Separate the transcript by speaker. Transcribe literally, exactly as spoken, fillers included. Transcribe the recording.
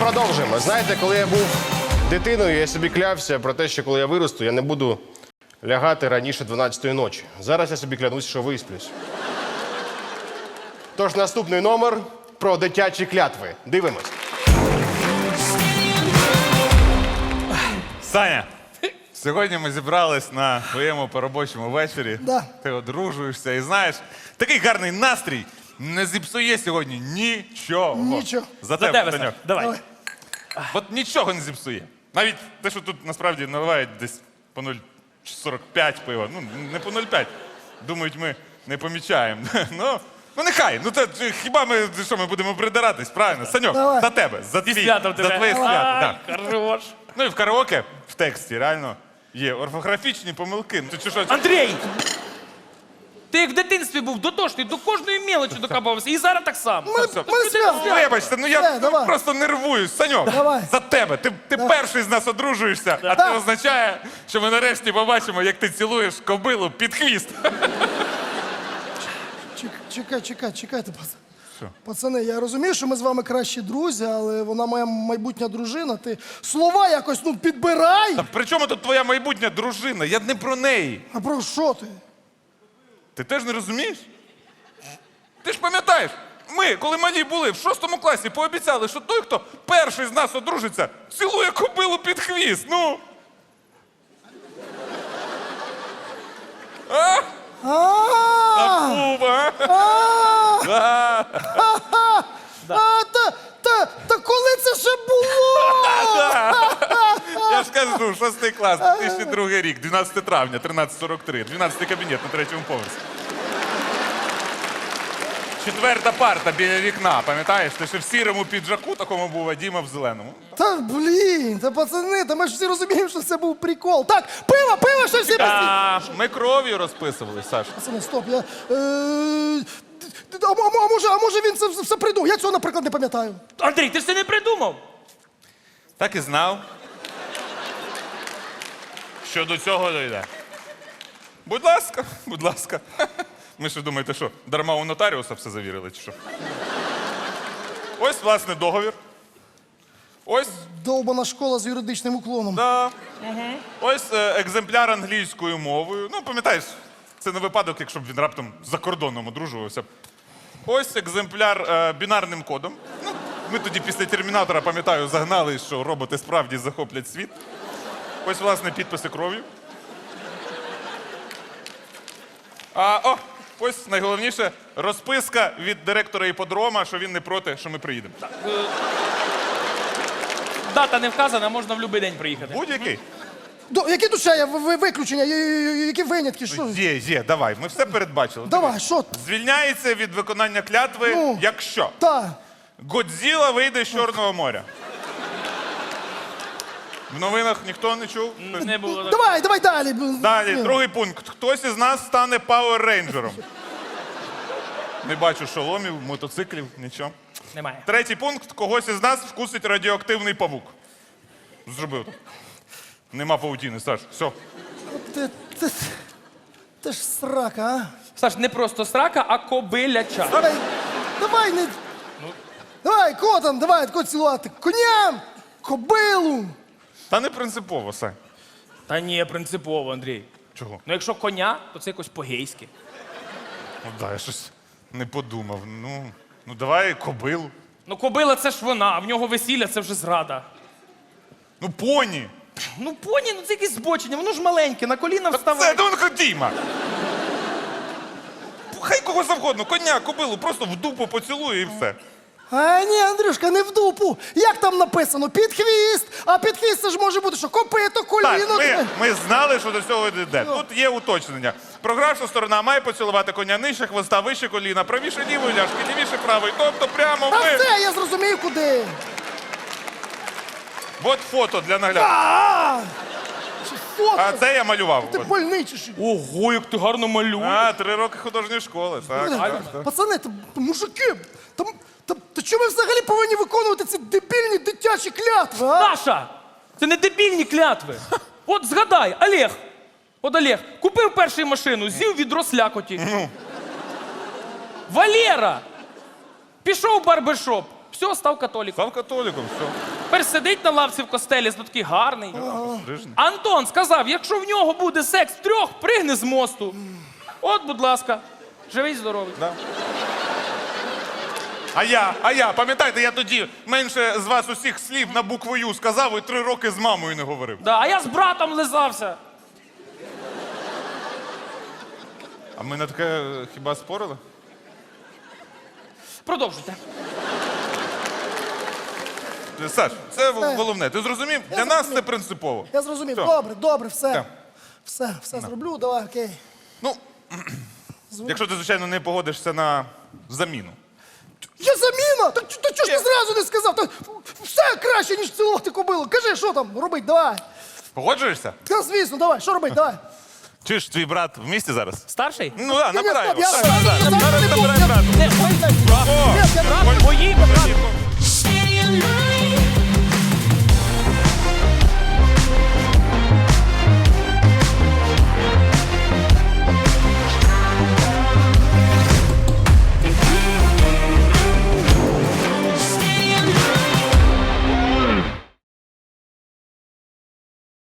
Speaker 1: продовжуємо. Знаєте, коли я був дитиною, я собі клявся про те, що коли я виросту, я не буду лягати раніше дванадцятої ночі. Зараз я собі клянусь, що висплюсь. Тож наступний номер про дитячі клятви. Дивимось.
Speaker 2: Саня, сьогодні ми зібрались на твоєму поробочому вечорі.
Speaker 3: Да.
Speaker 2: Ти одружуєшся і знаєш, такий гарний настрій не зіпсує сьогодні нічого.
Speaker 3: Нічого.
Speaker 2: За
Speaker 4: За
Speaker 2: тебе,
Speaker 4: тебе,
Speaker 2: Саньок.
Speaker 4: Сань. Давай.
Speaker 3: Давай.
Speaker 2: От нічого не зіпсує. Навіть те, що тут насправді наливають десь по нуль сорок п'ять пива. Ну, не по нуль п'ять. Думають, ми не помічаємо. Ну, ну нехай. Ну, то, хіба ми, що, ми будемо придиратись, правильно? Саньок,
Speaker 3: Давай.
Speaker 2: за тебе, за, твій,
Speaker 4: святом
Speaker 2: за
Speaker 4: тебе.
Speaker 2: твоє свято.
Speaker 4: Ай,
Speaker 2: Да.
Speaker 4: хорош.
Speaker 2: Ну і в караоке в тексті реально є орфографічні помилки. Ну, чи що?
Speaker 4: Андрій! Ти як в дитинстві був дотошний, до кожної мелочі докапався. І зараз так само.
Speaker 3: Ми,
Speaker 2: все.
Speaker 3: ми свято.
Speaker 2: Вибачте, ну я
Speaker 3: Все, давай.
Speaker 2: просто нервуюсь. Саньок,
Speaker 3: Давай.
Speaker 2: за тебе. Ти, ти перший з нас одружуєшся, а
Speaker 3: Да.
Speaker 2: це означає, що ми нарешті побачимо, як ти цілуєш кобилу під хвіст.
Speaker 3: Чек- Чекай, чекай, чекайте, пацани. Пацани, я розумію, що ми з вами кращі друзі, але вона моя майбутня дружина. Ти слова якось, ну, підбирай.
Speaker 2: Та при чому тут твоя майбутня дружина? Я не про неї.
Speaker 3: А про що ти?
Speaker 2: Ти теж не розумієш? Ти ж пам'ятаєш, ми, коли малі були в шостому класі, пообіцяли, що той, хто перший з нас одружиться, цілує кобилу під хвіст. Ну. А?
Speaker 3: А,
Speaker 2: Був, а?
Speaker 3: а, а, та, та, та коли це ще було?
Speaker 2: Я ж кажу, шостий клас, дві тисячі другий рік, дванадцяте травня, тринадцять сорок три, дванадцятий кабінет на третьому поверсі. Четверта парта біля вікна, пам'ятаєш? Ти ще в сірому піджаку такому був, а Діма в зеленому.
Speaker 3: Та, блін, та пацани, та ми ж всі розуміємо, що це був прикол. Так, пиво, пиво, що всі без...
Speaker 2: А, ми кров'ю розписували, Саш.
Speaker 3: Пацани, стоп, я... Е, а, а, а, може, а може він це все придумав? Я цього, наприклад, не пам'ятаю.
Speaker 4: Андрій, ти ж це не придумав.
Speaker 2: Так і знав. Що до цього дійде. Будь ласка, будь ласка. Ми що думаєте, що, дарма у нотаріуса все завірили, чи що? Ось, власне, договір. Ось,
Speaker 3: Довбана школа з юридичним уклоном.
Speaker 2: да. Ось е, екземпляр англійською мовою. Ну, пам'ятаєш, це не випадок, якщо б він раптом за кордоном одружувався. Ось екземпляр е, бінарним кодом. Ну, ми тоді після Термінатора, пам'ятаю, загнали, що роботи справді захоплять світ. Ось, власне, підписи кров'ю. А, о, ось найголовніше розписка від директора іпподрома, що він не проти, що ми приїдемо.
Speaker 4: Дата не вказана, можна в будь-який день приїхати.
Speaker 2: Будь-який.
Speaker 3: До, які тут ще є ви- ви- виключення, є- є- які винятки, що?
Speaker 2: Є, є, давай, ми все передбачили.
Speaker 3: Давай, що?
Speaker 2: Звільняється від виконання клятви,
Speaker 3: Ну.
Speaker 2: якщо
Speaker 3: Та.
Speaker 2: Годзіла вийде з Чорного моря. В новинах ніхто не чув?
Speaker 4: Не було. так.
Speaker 3: Давай, давай далі.
Speaker 2: Далі, другий пункт. Хтось із нас стане пауер-рейнджером. Не бачу шоломів, мотоциклів, нічого.
Speaker 4: Немає.
Speaker 2: Третій пункт. Когось із нас вкусить радіоактивний павук. Зробив так. Нема паутіни, Саш. Все.
Speaker 3: Ти, ти, ти ж срака, а?
Speaker 4: Саш, не просто срака, а кобиляча.
Speaker 3: Давай, давай, не... Давай, котам, давай, тако цілувати. Коням, кобилу.
Speaker 2: Та не принципово, Сань.
Speaker 4: Та ні, принципово, Андрій.
Speaker 2: Чого?
Speaker 4: Ну якщо коня, то це якось по-гейськи.
Speaker 2: Ну, да, я щось не подумав. Ну, ну давай кобилу.
Speaker 4: Ну кобила це ж вона, а в нього весілля це вже зрада.
Speaker 2: Ну, поні.
Speaker 4: Ну поні, ну це якесь збочення, воно ж маленьке, на коліна
Speaker 2: Це
Speaker 4: вставай.
Speaker 2: Донко Діма. Хай кого завгодно, коня, кобилу, просто в дупу поцілує і все.
Speaker 3: А ні, Андрюшка, не в дупу. Як там написано? Під хвіст. А під хвіст це ж може бути, що копито, коліно.
Speaker 2: Так, ми, ми знали, що до цього йде. Тут є уточнення. Програвша сторона має поцілувати коня нижче хвоста, вище коліна, правіше лівої ляшки, лівіше правої. Тобто прямо
Speaker 3: Та
Speaker 2: ми.
Speaker 3: все, я зрозумів, куди.
Speaker 2: От фото для нагляду.
Speaker 3: А, чи фото?
Speaker 2: А це я малював.
Speaker 3: Ти
Speaker 2: От.
Speaker 3: больний чи що?
Speaker 4: Ого, як ти гарно малюєш.
Speaker 2: А, три роки художньої школи. Так, так, так.
Speaker 3: Пацани, та, та мужики, та, та, та чому ви взагалі повинні виконувати ці дебільні дитячі клятви, а?
Speaker 4: Саша, це не дебільні клятви. От згадай, Олег. От Олег, купив першу машину, з'їв відро слякоті. Валера пішов в барбершоп, Все, став католіком.
Speaker 2: Став католіком, все.
Speaker 4: Тепер сидить на лавці в костелі, ну такий гарний.
Speaker 2: Стрижений.
Speaker 4: Антон сказав, якщо в нього буде секс трьох, пригни з мосту. От, будь ласка, живий здоровий.
Speaker 2: Да. А я, а я, пам'ятаєте, я тоді менше з вас усіх слів на букву Ю сказав і три роки з мамою не говорив.
Speaker 4: Да, а я з братом лизався.
Speaker 2: А ми на таке е, хіба спорили?
Speaker 4: Продовжуйте.
Speaker 2: Е, Саш, це в-
Speaker 3: Все.
Speaker 2: головне. Ти зрозумів?
Speaker 3: Я
Speaker 2: Для нас
Speaker 3: зрозумів.
Speaker 2: це принципово.
Speaker 3: Я зрозумів.
Speaker 2: Все.
Speaker 3: Добре, добре, все.
Speaker 2: Так.
Speaker 3: Все, все зроблю, давай, окей.
Speaker 2: Ну, якщо ти, звичайно, не погодишся на заміну.
Speaker 3: Є заміна! Так чо- та чого ж ти зразу не сказав? Та все краще, ніж цілувати кобилу. Кажи, що там робить, давай.
Speaker 2: Погоджуєшся?
Speaker 3: Та звісно, давай, що робить, давай.
Speaker 2: Чи ж твій брат в місті зараз?
Speaker 4: Старший?
Speaker 2: Ну так,
Speaker 3: Ні, ні,
Speaker 2: набирай
Speaker 3: стоп,
Speaker 2: його.
Speaker 3: я
Speaker 2: Так, так,
Speaker 3: зараз
Speaker 2: так.
Speaker 3: не
Speaker 2: Зараз
Speaker 3: буду.
Speaker 2: набирай брата.
Speaker 4: Не, ой,
Speaker 3: Ні, я-
Speaker 2: О,
Speaker 4: брат, мої, брат.